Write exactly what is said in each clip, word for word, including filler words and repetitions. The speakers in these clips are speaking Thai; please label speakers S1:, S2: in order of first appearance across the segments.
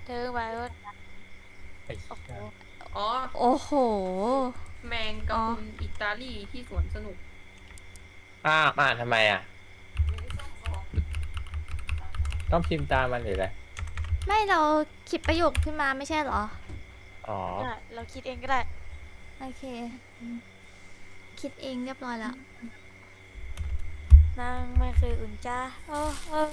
S1: เธอมาว่า
S2: ไอ้
S1: โอ้โห
S3: อ๋อ
S4: โอ้โห
S3: แมงกะ
S4: อ๋อ
S3: พรุนอิตาลีที่สวนสนุก
S2: อ้าวอ่านทำไมอ่ะต้องพิมพ์ตามมันหรืออะไร
S4: ไม่เราคิดประโยคขึ้นมาไม่ใช่เหรอ
S2: อ๋อ
S1: ได้เราคิดเองก็ได้
S4: โอเคคิดเองเรียบร้อยแล้ว
S1: นางไม่เคยอุ่นใจโอ้โอ้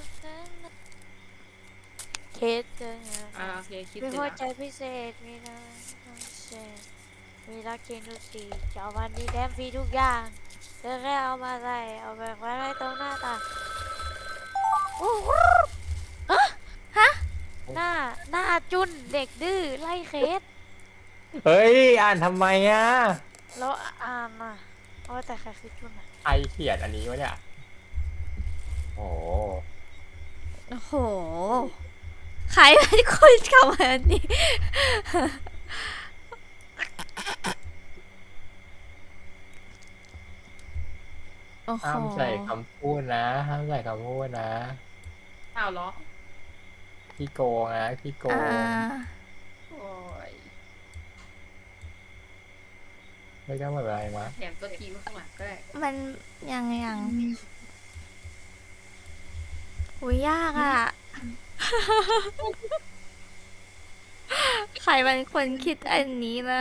S1: เคสเจอ
S3: อ่าโอเคคิด
S1: มี
S3: เสร็จ
S1: หัว
S3: แล้ว
S1: ใจพิเศษมีน้ำพิเศษมีรักเคนทุกสีจะเอาวันนี้แดมฟรีทุกอย่างเธอแค่เอามาใส่เอาไปไว้ไว้ตรงหน้าตาโอ้โห
S4: ฮะ
S1: หน้าหน้าจุนเด็กดื้อไล่เคส
S2: เฮ้ยอ่านทำไมอ่ะ
S1: แล้วอ่านอ่ะโอ้แต่ใครคือจุนอ่ะ
S2: ใครเขียนอันนี้วะเนี่ยโอ้โห
S4: โอ้โหใครเป็นคนทำแบบนี้โอ้โห
S2: ห้ามใส่คำพูดนะห้ามใส่คำพูดนะ
S3: อ้าวเหรอ
S2: พี่โกงนะพี่โก
S4: อ่
S2: ง
S4: า
S3: โอ้ย
S2: ไม่ต้องแบบอะไรมะ
S3: แถมตัวทีไว้ข้างหลังก็ได้
S4: มันยังยังอุ้ยยากอ่ะ ใครเป็นคนคิดอันนี้นะ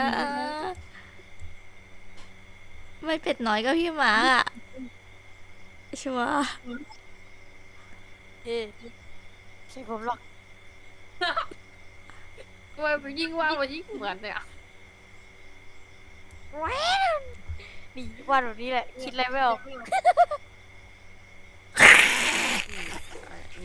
S4: ไม่เป็ดน้อยก็พี่หมาอ่ะชัวร์
S1: เอ๊ะใช่ผมหรอก
S3: ทำไมมันยิ่งว่ามันยิ่งเหมือนเนี่ย
S1: แว้นนี่วาดแบบนี้แหละคิดอะไรไม่ออก
S3: อืมอ่ะนี่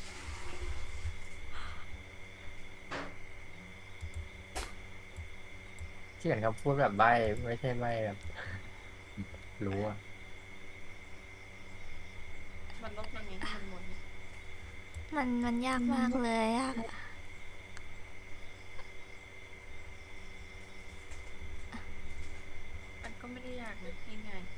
S2: เขียนคำพูดแบบใบ้ไม่ใช่ใบ้แบบรู้อ่ะ
S3: มันลบยังไงให้มันหมดเนี่ย
S4: มันมันยากมากเลยยากอะ
S3: มันก็ไม่ได้ยากนะง่ายว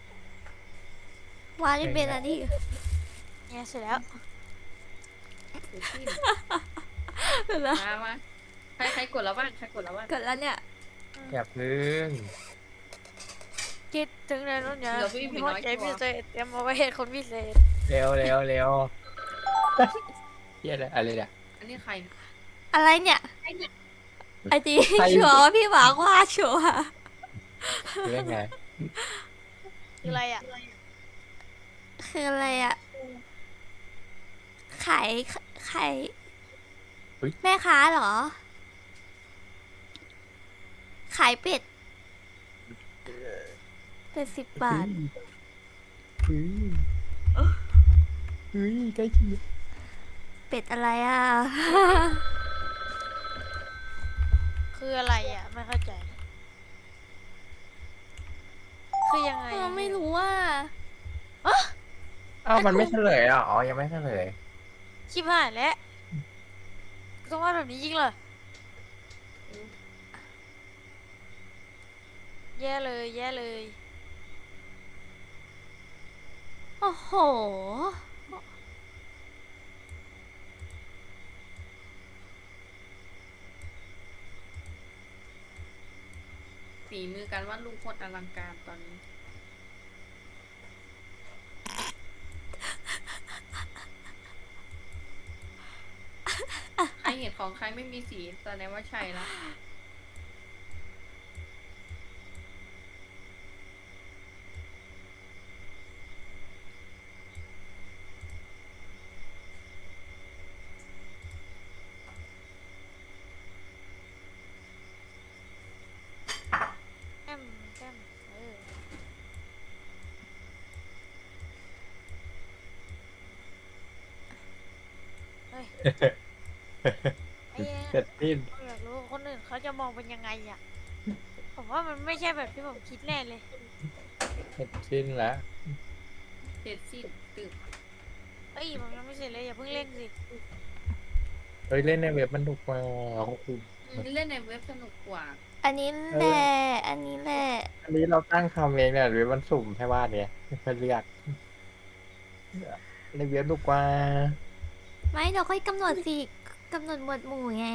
S4: าดไม่เป็นอะดิ
S1: เนี่ยเสร็จแล้ว
S3: ๆเดี๋ยวสิ้น
S4: เสร็จแล้ว
S3: มามาใครใครกดแล้วบ้างใครกดแล้วบ้าง
S4: เกิดแล้วเนี่ย
S2: อย่าพึ่ง
S1: คิดถึงในรุ่นเนี่ย
S3: เดี๋ยวพี่
S1: มี
S3: มี
S1: หัว
S3: น้อย
S1: ใจ
S3: ตัว
S1: พิเศษเตรียมเอาไว้ให้คนพิเศษ
S2: เร็วเร็วเร็วเฮียอะไรอะไรเนี่ย
S3: อันนี้ใครเนี่ย
S4: อะไรเนี่ยไอจี
S2: ใคร
S4: ชัวร์ว่าพี่หมากว่าชัวร์
S2: เรื่องไง
S1: คืออะไรอ่ะ
S4: คืออะไรอะขายขายแม่ค้าเหรอ ขายเป็ด เป็ดสิบบาท
S2: เฮ้ยเฮ้ยใกล้เคียง
S4: เป็ดอะไรอะ
S1: คืออะไรอ่ะไม่เข้าใจ คือยังไง
S4: เออไม่รู้ว่า
S2: อ้าวมันไม่เฉลยเหรออ๋อยังไม่เฉลย
S1: ชิบหายแล้วต้องวาดแบบนี้จริงเหรอแย่เลยแย่เลย
S4: โอ้โห
S3: ฝีมือการวาดรูปโคตรอลังการตอนนี้ ใครเห็นของใครไม่มีสีแสดงว่าใช่ละ
S1: แก้มแก้มเออเฮ้ยไอ้เนี่ย
S2: เสร็จสิ้น
S1: ผมอยากรู้ว่าคนอื่นเขาจะมองเป็นยังไงอ่ะผมว่ามันไม่ใช่แบบที่ผมคิดแน่เลย
S2: เสร็จสิ้นแล้ว
S3: เสร็จสิ้นตึก
S1: เอ้ยผมยังไม่เสร็จเลยอย่าเพิ่งเร่งสิ
S2: เฮ้ยเล่นในเว็บมันถูกมาโอ้โห
S3: อืมเล่นในเว็บสนุกกว่า
S4: อันนี้แหละอันนี้แหละ
S2: อันนี้เราตั้งคำเองเนี่ยเว็บมันสุ่มให้ว่าเนี่ยไม่เลือกในเว็บถูกกว่า
S4: ไม่เราค่อยกำหนดสิกำหนดหมวดหมู่ไง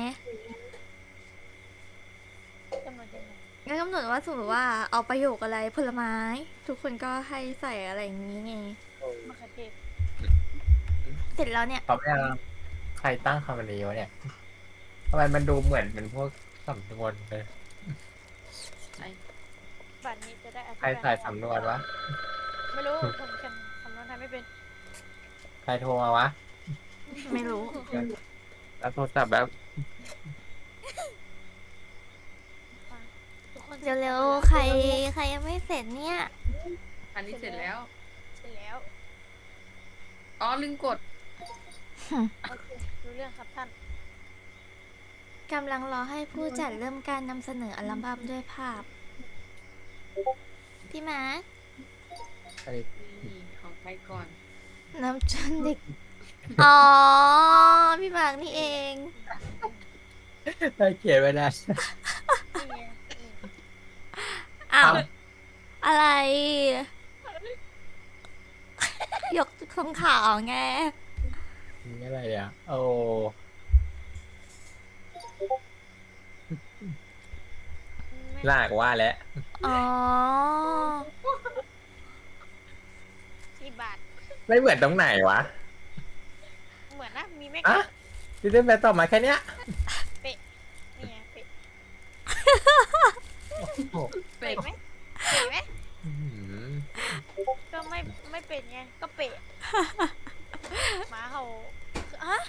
S1: กำหนดยังไง
S4: ก็กำหนดว่าสมมติว่าเอาประโยคอะไรผลไม้ ทุกคนก็ให้ใส่อะไรอย่างนี้ไง
S1: มะเขือเทศ
S4: เสร็จแล้วเนี่ย
S2: ตอบไม่ได้ใครตั้งคำนี้วะเนี่ยทำไมมันดูเหมือนเป็นพวกสำนวนเลย
S3: ใช่
S1: บัตรนี้จะได้อธิ
S2: ใคร
S1: บาย
S2: ใส่สำนวนวะ
S1: ไม่รู้ ผมเขียนสำนวนไทยไม่เป็น
S2: ใครโทรมาวะ
S4: ไม่รู้
S2: แล้วโทรศัพท์แบบ
S1: ทุกคน
S4: เร็วๆ ใครใครยังไม่เสร็จเนี่ย
S3: อันนี้เสร็จแล้ว
S1: เสร็จแล้ว
S3: อ๋อลืมกด
S1: โอเครู้เรื่องครับท่าน
S4: กำลังรอให้ผู้จัดเริ่มการนำเสนออัลบั้มด้วยภาพ พี่มาร์ค
S2: ไอ้
S3: นี่ของใครก่อน
S4: น้ำจนเด็ก อ๋อ พี่มาร์คนี่เอง
S2: ได้เขียนไว้ได้
S1: นี่ไงนี่
S4: อ้าว
S2: เอ้า
S4: อะไร ยกคงข่าวไง
S2: นี่อะไรอ่ะโอ้
S1: ไม่
S2: ลากว่าแล้ว
S4: อ๋อ
S1: สี่บาท
S2: ไม่เหมือนตรงไหนวะ
S1: เหมือนนะ มีแม่
S2: อ่ะ
S1: กะ
S2: ดิเดนแปลตอบมาแค่เนี้ย
S1: นี่ไงเป๊ะ
S2: โอ้โห
S1: เป๊ะไหมเป๊ะไหม
S2: อื้อหือ
S1: ก็ไม่ไม่เป็นไง ก็เป๊ะหมาเขาฮะ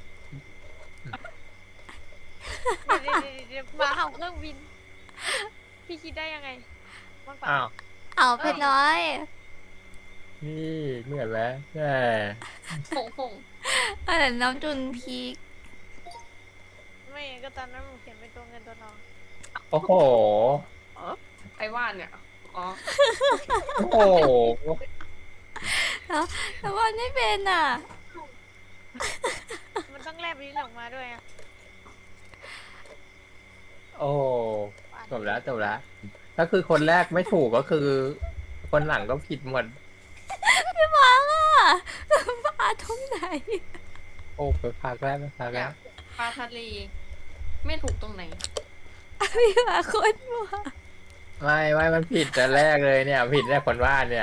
S1: เดี๋ยวเดี๋ยวเดี๋ยวหมาเห่าเครื่องบิน พี่คิดได้ยังไงมันเปล่า
S2: อ้าว
S4: เอาเพชรน้อย
S2: นี่เหมือนแล้วแย่
S3: หงหง
S4: เออน้ำจุนพีค
S1: ไม่งั้นก็ตอนนั้นผมเขียนเป็นตัวเงินตัวทอง
S2: โอ้โห
S3: ไอ้ว่านเนี่ย อ๋อ
S2: โอ้โห
S4: แต่ว่าไม่เป็นอ่ะ
S1: มันต้องแลบลิ้นออกมาด้วยอ่ะ
S2: โอ้จบแล้วจบแล้วก็คือคนแรกไม่ถูกก็คือ คนหลังก็ผิดหมด
S4: พี่มาร์คอ่ะมาตรงไหน
S2: โอ้ไปพักแล้วไปพัก
S3: อ
S2: แล้
S3: ยาว กปลาทะเล ไม่ถูกตรงไหน
S4: พี่มาร์คโคนมัว
S2: ไม่ไม่มันผิดแต่แรกเลยเนี่ย ผิดแต่คนว่าเนี่ย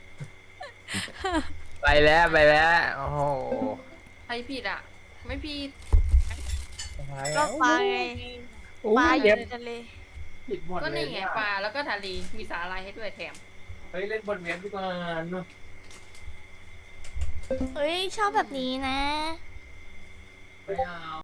S2: ไปแล้วไปแล้วโอ้โห
S3: ใครผิดอ่ะ ไม่ผิด
S1: ก็ปลาไง
S2: อู้
S1: ปลาอ
S2: เดี๋
S1: ยู่
S2: ยว
S1: ในทะเล
S2: ผิดหมด
S3: ก็
S2: เลย
S3: นี่ไงปลาแล้วก็ทะเล มีสาหร่ายให้ด้วยแถม
S2: เฮ้ยเล่นบนเว็บดีกว่าเนอะ
S4: เฮ้ย ชอบแบบนี้นะ
S2: ไม่เอา